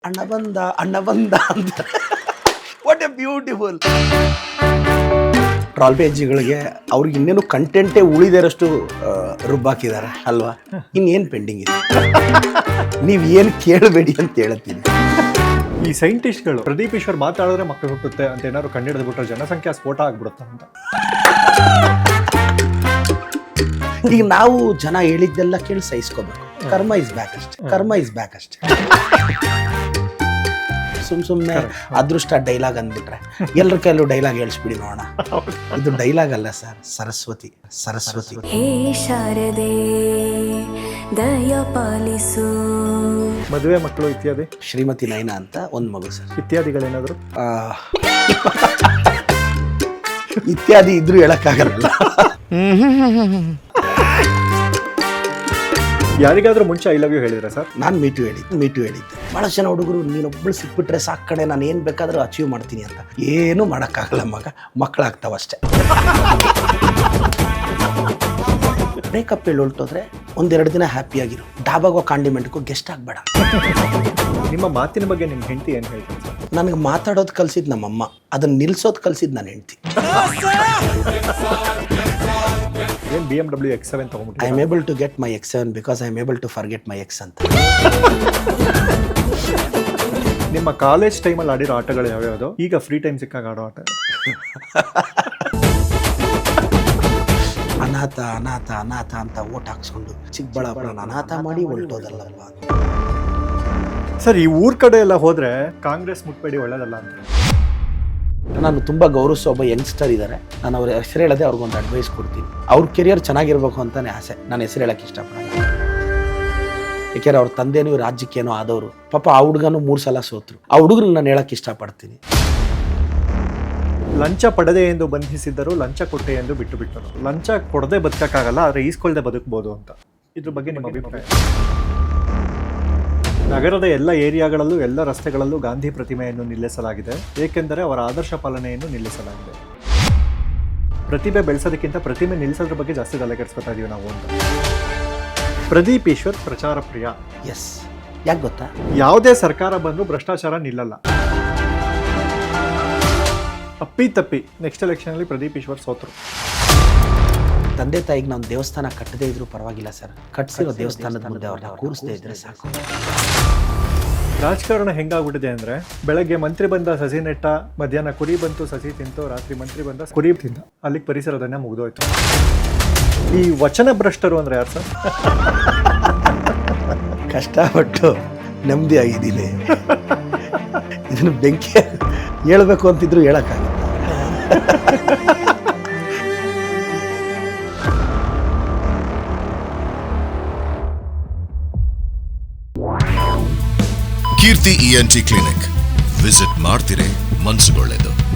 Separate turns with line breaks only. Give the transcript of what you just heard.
ಅಣ್ಣ ಬಂದ ಅಂತ. What a beautiful. ಟ್ರಾಲ್ ಪೇಜ್ಗಳಿಗೆ ಅವ್ರಿಗೆ ಇನ್ನೇನು ಕಂಟೆಂಟೇ ಉಳಿದಿರೋಷ್ಟು ರುಬ್ಬಾಕಿದ್ದಾರೆ ಅಲ್ವಾ? ಇನ್ನೇನು ಪೆಂಡಿಂಗ್ ಇದೆ? ನೀವು ಏನು ಕೇಳಬೇಡಿ ಅಂತ ಹೇಳ್ತೀನಿ.
ಈ ಸೈಂಟಿಸ್ಟ್ಗಳು ಪ್ರದೀಪ್ ಈಶ್ವರ್ ಮಾತಾಡಿದ್ರೆ ಮಕ್ಕಳು ಹುಟ್ಟುತ್ತೆ ಅಂತ ಏನಾದ್ರು ಕಂಡಿಡಿದು ಬಿಟ್ರೆ ಜನಸಂಖ್ಯಾ ಸ್ಫೋಟ ಆಗ್ಬಿಡುತ್ತೆ ಅಂತ.
ಈಗ ನಾವು ಜನ ಹೇಳಿದ್ದೆಲ್ಲ ಕೇಳಿ ಸಹಿಸ್ಕೋಬೇಕು. ಕರ್ಮ ಇಸ್ ಬ್ಯಾಕ್ ಅಷ್ಟೇ. ಸುಮ್ಮನೆ ಅದೃಷ್ಟ ಡೈಲಾಗ್ ಅಂದ್ಬಿಟ್ರೆ ಎಲ್ಲರ ಕೈಲೂ ಡೈಲಾಗ್ ಹೇಳಿಸ್ಬಿಡಿ ನೋಡೋಣ. ಇದು ಡೈಲಾಗ್ ಅಲ್ಲ ಸರ್, ಸರಸ್ವತಿ.
ಹೇ ಶಾರದೆ ದಯ ಪಾಲಿಸು.
ಮದುವೆ ಮಕ್ಕಳು ಇತ್ಯಾದಿ?
ಶ್ರೀಮತಿ ನಯನ ಅಂತ ಒಂದು ಮಗು ಸರ್.
ಇತ್ಯಾದಿಗಳೇನಾದ್ರು?
ಇತ್ಯಾದಿ ಇದ್ರೂ ಹೇಳಕ್ಕಾಗಲ್ಲ.
ಯಾರಿಗಾದ್ರೂ ಮುಂಚೆ ಐ ಲವ್ ಯು ಹೇಳಿದ್ರೆ ಸರ್?
ನಾನು ಮೀಟು ಹೇಳಿದ್ದೆ. ಬಹಳ ಜನ ಹುಡುಗರು ನೀನೊಬ್ಬಳು ಸಿಕ್ಬಿಟ್ರೆ ಸಾಕು ಕಣೆ, ನಾನು ಏನು ಬೇಕಾದರೂ ಅಚೀವ್ ಮಾಡ್ತೀನಿ ಅಂತ. ಏನೂ ಮಾಡೋಕ್ಕಾಗಲ್ಲ ಮಕ್ಕಳಾಗ್ತಾವಷ್ಟೆ. ಬ್ರೇಕಪ್ ಹೇಳಿ ಹೊರಟೋದ್ರೆ ಒಂದೆರಡು ದಿನ ಹ್ಯಾಪಿಯಾಗಿರು. ಡಾಬಾಗೋ ಕಾಂಡಿಮೆಂಟ್ಗೂ ಗೆಸ್ಟ್ ಆಗಬೇಡ.
ನಿಮ್ಮ ಮಾತಿನ ಬಗ್ಗೆ ನಿಮ್ಮ ಹೆಂಡತಿ ಏನು ಹೇಳ್ತಾರೆ ಸರ್?
ನನಗೆ ಮಾತಾಡೋದು ಕಲಿಸಿದ್ದು ನಮ್ಮಮ್ಮ, ಅದನ್ನು ನಿಲ್ಸೋದು ಕಲಿಸಿದ್ದು ನನ್ನ ಹೆಂಡತಿ.
ಏನು BMW X7 ತಗೊಂಡ್ಬಿಟ್ಟು?
I am able to get my X7 because I am able to forget my ex ಅಂತ.
ನಿಮ್ಮ ಕಾಲೇಜ್ ಟೈಮಲ್ಲಿ ಆಡಿರೋ ಆಟಗಳು ಯಾವ್ಯಾವುದು? ಈಗ ಫ್ರೀ ಟೈಮ್ ಸಿಕ್ಕಾಗ ಆಡೋ ಆಟ? ಅನಾಥ
ಅಂತ ಓಟ್ ಹಾಕ್ಸ್ಕೊಂಡು ಚಿಕ್ಕಬಳ್ಳಾಪುರ ಅನಾಥ ಮಾಡಿ ಹೊರಟೋದಲ್ಲಲ್ವಾ
ಸರ್. ಈ ಊರ್ ಕಡೆ ಎಲ್ಲ ಹೋದ್ರೆ ಕಾಂಗ್ರೆಸ್ ಮುಟ್ಬೇಡಿ, ಒಳ್ಳೇದಲ್ಲ ಅಂತ.
ನಾನು ತುಂಬ ಗೌರವಿಸೋ ಒಬ್ಬ ಯಂಗ್ಸ್ಟರ್ ಇದ್ದಾರೆ. ನಾನು ಅವ್ರ ಹೆಸರು ಹೇಳದೆ ಅವ್ರಿಗೊಂದು ಅಡ್ವೈಸ್ ಕೊಡ್ತೀನಿ. ಅವ್ರ ಕೆರಿಯರ್ ಚೆನ್ನಾಗಿರ್ಬೇಕು ಅಂತಾನೆ ಆಸೆ. ನಾನು ಹೆಸರು ಹೇಳಕ್ಕೆ ಇಷ್ಟಪಡಲ್ಲ. ಯಾಕೆಂದ್ರೆ ಅವ್ರ ತಂದೆನೂ ರಾಜ್ಯಕ್ಕೇನೋ ಆದವರು. ಪಾಪ ಆ ಹುಡುಗನೂ 3 ಸಲ ಸೋತರು. ಆ ಹುಡುಗರು ನಾನು ಹೇಳಕ್ಕೆ ಇಷ್ಟಪಡ್ತೀನಿ.
ಲಂಚ ಪಡೆದೆ ಎಂದು ಬಂಧಿಸಿದ್ದರು, ಲಂಚ ಕೊಟ್ಟೆ ಎಂದು ಬಿಟ್ಟರು. ಲಂಚ ಕೊಡದೆ ಬದುಕಕ್ಕಾಗಲ್ಲ, ಆದರೆ ಈಸ್ಕೊಳ್ದೆ ಬದುಕಬಹುದು ಅಂತ. ಇದ್ರ ಬಗ್ಗೆ ನಿಮ್ಮ ಅಭಿಪ್ರಾಯ? ನಗರದ ಎಲ್ಲ ಏರಿಯಾಗಳಲ್ಲೂ ಎಲ್ಲ ರಸ್ತೆಗಳಲ್ಲೂ ಗಾಂಧಿ ಪ್ರತಿಮೆಯನ್ನು ನಿಲ್ಲಿಸಲಾಗಿದೆ, ಏಕೆಂದರೆ ಅವರ ಆದರ್ಶ ಪಾಲನೆಯನ್ನು ನಿಲ್ಲಿಸಲಾಗಿದೆ. ಪ್ರತಿಭೆ ಬೆಳೆಸೋದಕ್ಕಿಂತ ಪ್ರತಿಮೆ ನಿಲ್ಲಿಸೋದ್ರ ಬಗ್ಗೆ ಜಾಸ್ತಿ ತಲೆ ಕೆಡಿಸ್ಕೊತಾ ಇದೀವಿ ನಾವು ಅಂತ. ಪ್ರದೀಪ್ ಈಶ್ವರ್ ಪ್ರಚಾರ ಪ್ರಿಯ.
ಎಸ್, ಯಾಕೆ ಗೊತ್ತಾ?
ಯಾವುದೇ ಸರ್ಕಾರ ಬಂದರೂ ಭ್ರಷ್ಟಾಚಾರ ನಿಲ್ಲಲ್ಲ. ಅಪ್ಪಿ ನೆಕ್ಸ್ಟ್ ಎಲೆಕ್ಷನಲ್ಲಿ ಪ್ರದೀಪ್ ಈಶ್ವರ್ ಸೋತರು.
ತಂದೆ ತಾಯಿಗೆ ನಾವು ದೇವಸ್ಥಾನ ಕಟ್ಟದೇ ಇದ್ರೂ ಪರವಾಗಿಲ್ಲ ಸರ್, ಕಟ್ಸಿರೋ ದೇವಸ್ಥಾನದ ಮುಂದೆ ಅವ್ರನ್ನ ಕೂರಿಸದೇ ಇದ್ರೆ ಸಾಕು.
ರಾಜಕಾರಣ ಹೆಂಗಾಗ್ಬಿಟ್ಟಿದೆ ಅಂದ್ರೆ, ಬೆಳಗ್ಗೆ ಮಂತ್ರಿ ಬಂದ ಸಸಿ ನೆಟ್ಟ, ಮಧ್ಯಾಹ್ನ ಕುರಿ ಬಂತು ಸಸಿ ತಿಂತು, ರಾತ್ರಿ ಮಂತ್ರಿ ಬಂದ ಕುರಿ ತಿಂದ, ಅಲ್ಲಿಗೆ ಪರಿಸರದನ್ನ ಮುಗಿದೋಯ್ತು. ಈ ವಚನ ಭ್ರಷ್ಟರು ಅಂದ್ರೆ ಯಾರು ಸರ್?
ಕಷ್ಟಪಟ್ಟು ನೆಮ್ಮದಿ ಆಗಿದ್ದೀನಿ. ಇದನ್ನು ಬೆಂಕಿ ಹೇಳ್ಬೇಕು ಅಂತಿದ್ರು ಹೇಳಕ್ಕಾಗಲ್ಲ.
ಕೀರ್ತಿ ENT ಕ್ಲಿನಿಕ್ ವಿಸಿಟ್ ಮಾಡ್ತಿರೇ ಮನಸ್ಸುಗೊಳ್ಳೆದು.